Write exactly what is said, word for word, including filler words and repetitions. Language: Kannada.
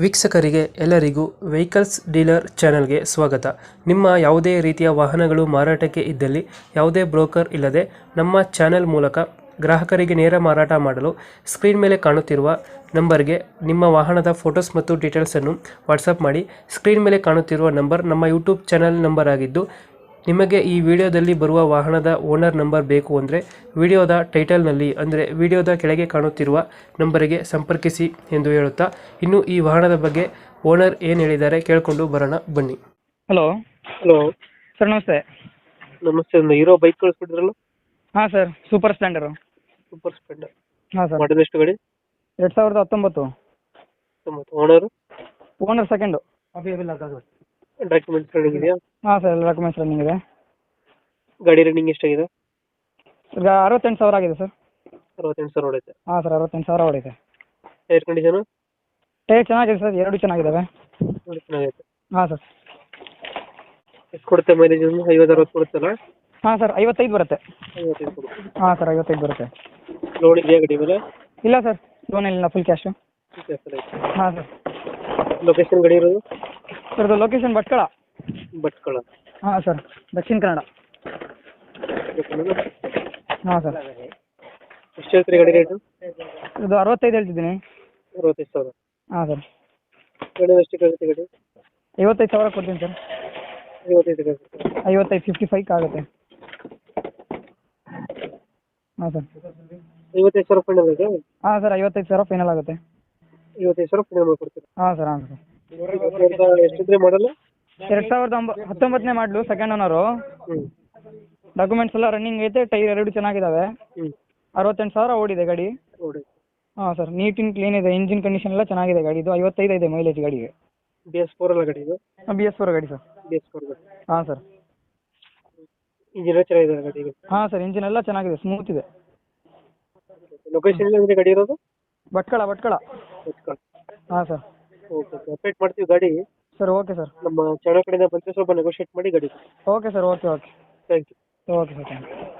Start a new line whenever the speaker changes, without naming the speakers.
ವೀಕ್ಷಕರಿಗೆ ಎಲ್ಲರಿಗೂ ವೆಹಿಕಲ್ಸ್ ಡೀಲರ್ ಚಾನೆಲ್ಗೆ ಸ್ವಾಗತ. ನಿಮ್ಮ ಯಾವುದೇ ರೀತಿಯ ವಾಹನಗಳು ಮಾರಾಟಕ್ಕೆ ಇದ್ದಲ್ಲಿ ಯಾವುದೇ ಬ್ರೋಕರ್ ಇಲ್ಲದೆ ನಮ್ಮ ಚಾನೆಲ್ ಮೂಲಕ ಗ್ರಾಹಕರಿಗೆ ನೇರ ಮಾರಾಟ ಮಾಡಲು ಸ್ಕ್ರೀನ್ ಮೇಲೆ ಕಾಣುತ್ತಿರುವ ನಂಬರ್ಗೆ ನಿಮ್ಮ ವಾಹನದ ಫೋಟೋಸ್ ಮತ್ತು ಡೀಟೇಲ್ಸನ್ನು ವಾಟ್ಸಪ್ ಮಾಡಿ. ಸ್ಕ್ರೀನ್ ಮೇಲೆ ಕಾಣುತ್ತಿರುವ ನಂಬರ್ ನಮ್ಮ ಯೂಟ್ಯೂಬ್ ಚಾನೆಲ್ ನಂಬರ್ ಆಗಿದ್ದು, ನಿಮಗೆ ಈ ವಿಡಿಯೋದಲ್ಲಿ ಬರುವ ವಾಹನದ ಓನರ್ ನಂಬರ್ ಬೇಕು ಅಂದರೆ ವಿಡಿಯೋದ ಟೈಟಲ್ನಲ್ಲಿ ಅಂದರೆ ವಿಡಿಯೋದ ಕೆಳಗೆ ಕಾಣುತ್ತಿರುವ ನಂಬರಿಗೆ ಸಂಪರ್ಕಿಸಿ ಎಂದು ಹೇಳುತ್ತಾ, ಇನ್ನು ಈ ವಾಹನದ ಬಗ್ಗೆ ಓನರ್ ಏನು ಹೇಳಿದ್ದಾರೆ ಕೇಳಿಕೊಂಡು ಬರೋಣ ಬನ್ನಿ.
ಹಲೋ
ಹಲೋ
ಸರ್, ನಮಸ್ತೆ.
ನಮಸ್ತೆ. ಒಂದು ಹೀರೋ ಬೈಕ್ ಕಳಿಸ್ಬಿಟ್ಟಿದ್ರಲ್ಲ,
ಹಾಂ sir, Super Splendor.
Super Splendor.
ಹಾಂ ಸರ್,
ಮಾಡಲ್ ಎಷ್ಟು ಗಾಡಿ?
ಎರಡು ಸಾವಿರದ ಹತ್ತೊಂಬತ್ತು.
Owner
owner second.
Documents running ಇದೆಯಾ?
ಹಾಂ ಸರ್, ಎಲ್ಲ ಡಾಕ್ಯುಮೆಂಟ್ಸ್ ರನ್ನಿಂಗ್ ಇದೆ.
ಗಾಡಿ ರನ್ನಿಂಗ್ ಎಷ್ಟಾಗಿದೆ?
ಈಗ ಅರವತ್ತೆಂಟು ಸಾವಿರ ಆಗಿದೆ ಸರ್.
ಅರವತ್ತೆಂಟು ಸಾವಿರ ಹೊಡೆಯುತ್ತೆ.
ಹಾಂ ಸರ್, ಅರವತ್ತೆಂಟು ಸಾವಿರ ಹೊಡಿದೆ.
ಟೈರ್ ಕಂಡೀಷನು
ಟೈರ್ ಚೆನ್ನಾಗಿದೆ ಸರ್, ಎರಡು ಚೆನ್ನಾಗಿದ್ದಾವೆ.
ಚೆನ್ನಾಗೈತೆ.
ಹಾಂ ಸರ್.
ಎಷ್ಟು ಕೊಡುತ್ತೆ ಮೈಲೇಜ್? ಐವತ್ತು ಅರವತ್ತು ಕೊಡುತ್ತಲ್ಲ?
ಹಾಂ ಸರ್, ಐವತ್ತೈದು ಬರುತ್ತೆ.
ಐವತ್ತೈದು ಕೊಡುತ್ತೆ.
ಹಾಂ ಸರ್, ಐವತ್ತೈದು ಬರುತ್ತೆ.
ಲೋನ್ ಇದೆಯಾ ಗಾಡಿ ಮೇಲೆ?
ಇಲ್ಲ ಸರ್, ಲೋನ್ ಇಲ್ಲ, ಫುಲ್ ಕ್ಯಾಶು. ಹಾಂ ಸರ್.
ಲೊಕೇಶನ್ ಗಾಡಿ ಇರೋದು?
ಸರ್, ಇದು ಲೊಕೇಶನ್ ಭಟ್ಕಳ.
ಭಟ್ಕಳ.
ಹಾಂ ಸರ್, ದಕ್ಷಿಣ ಕನ್ನಡ. ಹಾಂ ಸರ್.
ಎಷ್ಟು ಹೇಳ್ತೀರಿ ಗಾಡಿ ರೇಟು?
ಇದು ಅರವತ್ತೈದು ಹೇಳ್ತಿದ್ದೀನಿ.
ಅರವತ್ತೈದು ಸಾವಿರ.
ಹಾಂ ಸರ್.
ಗಾಡಿ ಎಷ್ಟಕ್ಕೆ ಆಗುತ್ತೆ ಗಾಡಿ?
ಐವತ್ತೈದು ಸಾವಿರ ಕೊಡ್ತೀನಿ ಸರ್.
ಐವತ್ತೈದು ಆಗುತ್ತೆ.
ಐವತ್ತೈದು ಫಿಫ್ಟಿ ಫೈವ್ ಆಗುತ್ತೆ. ಹಾಂ ಸರ್.
ಐವತ್ತೈದು ಸಾವಿರ ಫೈನಲ್ ಇದೆ?
ಹಾಂ ಸರ್, ಐವತ್ತೈದು ಸಾವಿರ ಫೈನಲ್ ಆಗುತ್ತೆ.
ಐವತ್ತೈದು ಸಾವಿರ ಫೈನಲ್ ಮಾಡ್ಕೊಡ್ತೀರಾ?
ಹಾಂ ಸರ್. ಹಾಂ ಸರ್.
ಎಷ್ಟಿದ್ರೆ ಮಾಡಲ್ಲ?
ಎರಡು ಸಾವಿರದ ಒಂಬ ಹತ್ತೊಂಬತ್ತನೇ ಮಾಡಲು, ಸೆಕೆಂಡ್ ಓನರು.
ಹ್ಞೂ.
ಡಾಕ್ಯುಮೆಂಟ್ಸ್ ಎಲ್ಲ ರನ್ನಿಂಗ್ ಐತೆ, ಟೈರ್ ಎರಡು ಚೆನ್ನಾಗಿದ್ದಾವೆ.
ಹ್ಞೂ.
ಅರವತ್ತೆಂಟು ಸಾವಿರ ಓಡಿದೆ ಗಾಡಿ.
ನೋಡಿ.
ಹಾಂ ಸರ್, ನೀಟ್ ಇನ್ ಕ್ಲೀನ್ ಇದೆ, ಇಂಜಿನ್ ಕಂಡೀಷನ್ ಎಲ್ಲ ಚೆನ್ನಾಗಿದೆ ಗಾಡಿ. ಇದು ಐವತ್ತೈದು ಇದೆ ಮೈಲೇಜ್ ಗಾಡಿಗೆ.
ಬಿ ಎಸ್ ಫೋರ್ ಅಲ್ಲ ಗಾಡಿ ಇದು?
ಬಿ ಎಸ್ ಫೋರ್ ಗಾಡಿ ಸರ್.
ಬಿ ಎಸ್ ಫೋರ್ ಗಾಡಿ.
ಹಾಂ ಸರ್.
ಇಂಜಿನ್ ಚೆನ್ನಾಗಿದೆ ಗಾಡಿಗೆ?
ಹಾಂ ಸರ್, ಇಂಜಿನ್ ಎಲ್ಲ ಚೆನ್ನಾಗಿದೆ, ಸ್ಮೂತ್ ಇದೆ.
ಲೊಕೇಶನ್ ಎಲ್ಲಿ ಗಾಡಿ ಇರೋದು?
ಭಟ್ಕಳ. ಭಟ್ಕಳ.
ಭಟ್ಕಳ.
ಹಾಂ ಸರ್.
ಓಕೆ, ಅಪ್ಡೇಟ್ ಮಾಡ್ತೀವಿ ಗಾಡಿ.
Sir, okay sir.
ನಮ್ಮ ಚಾನಲ್ ಕಡೆಯಿಂದ ಬಂದರೆ ಸ್ವಲ್ಪ ನೆಗೋಷಿಯೇಟ್ ಮಾಡಿ ಗಾಡಿ.
Okay sir, okay okay
thank you.
Okay sir, thank you.